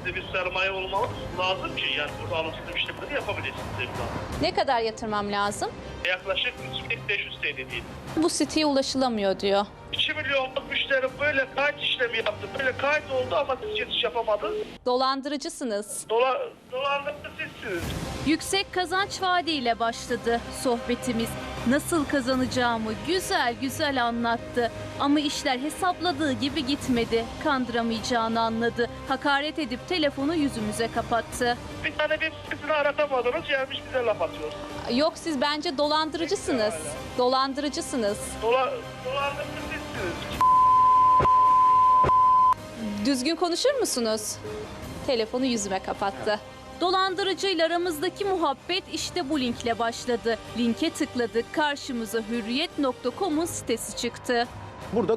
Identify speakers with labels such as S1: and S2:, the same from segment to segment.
S1: Elinizde bir sermaye olmalı lazım ki yani burada alımsız işlemleri yapabilirsiniz.
S2: Ne kadar yatırmam lazım?
S1: Yaklaşık 3500 TL değil.
S2: Bu siteye ulaşılamıyor diyor.
S1: 2 milyonluk müşteri böyle kayıt işlemi yaptı. Böyle kayıt oldu ama siz geçiş yapamadınız.
S2: Dolandırıcısınız.
S1: Dolandırıcı sizsiniz.
S3: Yüksek kazanç vaadiyle başladı sohbetimiz. Nasıl kazanacağımı güzel güzel anlattı. Ama işler hesapladığı gibi gitmedi. Kandıramayacağını anladı. Hakaret edip telefonu yüzümüze kapattı.
S1: Bir tane web sitesini aratamadınız gelmiş bize laf atıyor.
S2: Yok, siz bence dolandırıcısınız. Dolandırıcısınız.
S1: Dolandırıcı sizsiniz.
S2: Düzgün konuşur musunuz? Telefonu yüzüme kapattı.
S3: Dolandırıcıyla aramızdaki muhabbet işte bu linkle başladı. Linke tıkladık, karşımıza hürriyet.com'un sitesi çıktı.
S4: Burada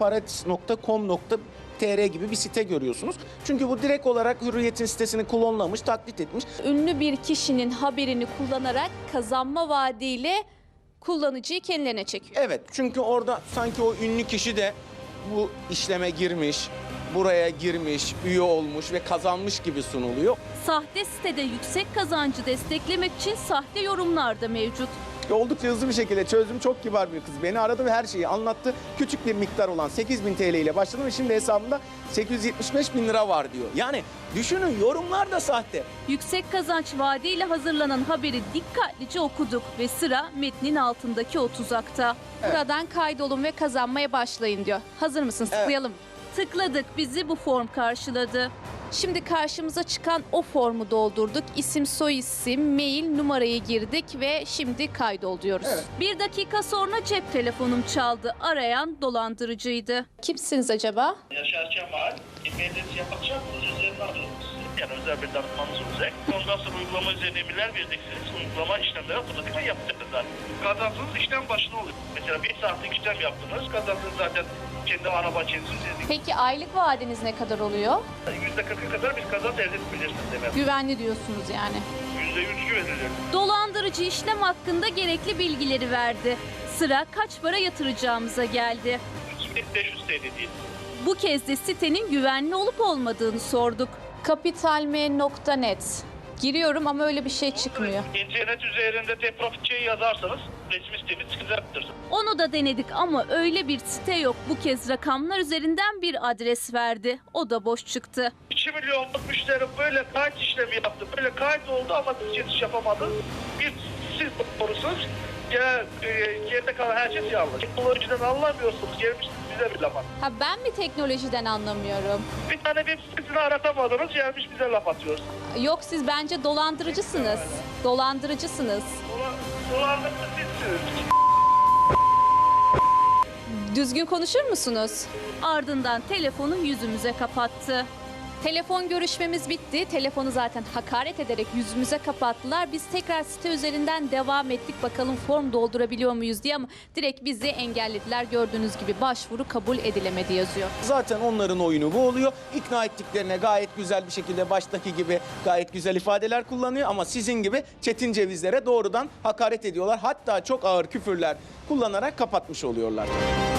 S4: kotoparet.com.tr gibi bir site görüyorsunuz. Çünkü bu direkt olarak Hürriyet'in sitesini klonlamış, taklit etmiş.
S2: Ünlü bir kişinin haberini kullanarak kazanma vaadiyle kullanıcıyı kendilerine çekiyor.
S4: Evet, çünkü orada sanki o ünlü kişi de bu işleme girmiş, buraya girmiş, üye olmuş ve kazanmış gibi sunuluyor.
S3: Sahte sitede yüksek kazancı desteklemek için sahte yorumlar da mevcut.
S4: Oldukça hızlı bir şekilde çözdüm. Çok kibar bir kız. Beni aradı ve her şeyi anlattı. Küçük bir miktar olan 8.000 TL ile başladım ve şimdi hesabımda 875.000 lira var diyor. Yani düşünün, yorumlar da sahte.
S3: Yüksek kazanç vaadiyle hazırlanan haberi dikkatlice okuduk ve sıra metnin altındaki o tuzakta.
S2: Buradan kaydolun ve kazanmaya başlayın diyor. Hazır mısın?
S4: Evet.
S2: Tıklayalım.
S3: Tıkladık, bizi bu form karşıladı.
S2: Şimdi karşımıza çıkan o formu doldurduk. İsim, soyisim, mail, numarayı girdik ve şimdi kaydol diyoruz.
S4: Evet.
S3: 1 dakika sonra cep telefonum çaldı. Arayan dolandırıcıydı.
S2: Kimsiniz acaba?
S1: Yaşar Kemal, e-mailinizi yapacak mısınız? Üzerine alıyoruz. Yani özel bir danışmanınız olacak. Ondan sonra uygulama üzerine emirler vereceksiniz. Uygulama işlemleri otomatikman yapacaksınız zaten. Kazansınız işlem başına oluyor. Mesela 1 saatlik işlem yaptınız. Kazansınız zaten kendi araba kendiniz.
S2: Peki aylık vaadiniz ne kadar oluyor?
S1: %40'a kadar bir kazanç elde edebilirsiniz demek.
S2: Güvenli diyorsunuz yani.
S1: %100 güvenilir.
S3: Dolandırıcı işlem hakkında gerekli bilgileri verdi. Sıra kaç para yatıracağımıza geldi.
S1: 3500 TL değil.
S3: Bu kez de sitenin güvenli olup olmadığını sorduk.
S2: Kapitalme.net. Giriyorum ama öyle bir şey çıkmıyor.
S1: İnternet üzerinde T-Profitçi'yi yazarsanız resmi sitemiz çıkacaktır.
S3: Onu da denedik ama öyle bir site yok. Bu kez rakamlar üzerinden bir adres verdi. O da boş çıktı.
S1: 2 milyonluk müşteri böyle kayıt işlemi yaptı. Böyle kayıt oldu ama siz geçiş yapamadınız. Bir siz doğrusunuz. Geride kalan her şey yanlış. Teknolojiden anlamıyorsunuz. Gelmişsiniz bize bir laf at.
S2: Ha, ben mi teknolojiden anlamıyorum?
S1: Bir tane web sitesini aratamadınız. Gelmiş bize laf atıyorsunuz.
S2: Yok, siz bence dolandırıcısınız. Dolandırıcısınız.
S1: Dolandırıcı sizsiniz.
S2: Düzgün konuşur musunuz?
S3: Ardından telefonu yüzümüze kapattı.
S2: Telefon görüşmemiz bitti. Telefonu zaten hakaret ederek yüzümüze kapattılar. Biz tekrar site üzerinden devam ettik. Bakalım form doldurabiliyor muyuz diye, ama direkt bizi engellediler. Gördüğünüz gibi başvuru kabul edilemedi yazıyor.
S4: Zaten onların oyunu bu oluyor. İkna ettiklerine gayet güzel bir şekilde baştaki gibi gayet güzel ifadeler kullanıyor. Ama sizin gibi çetin cevizlere doğrudan hakaret ediyorlar. Hatta çok ağır küfürler kullanarak kapatmış oluyorlar.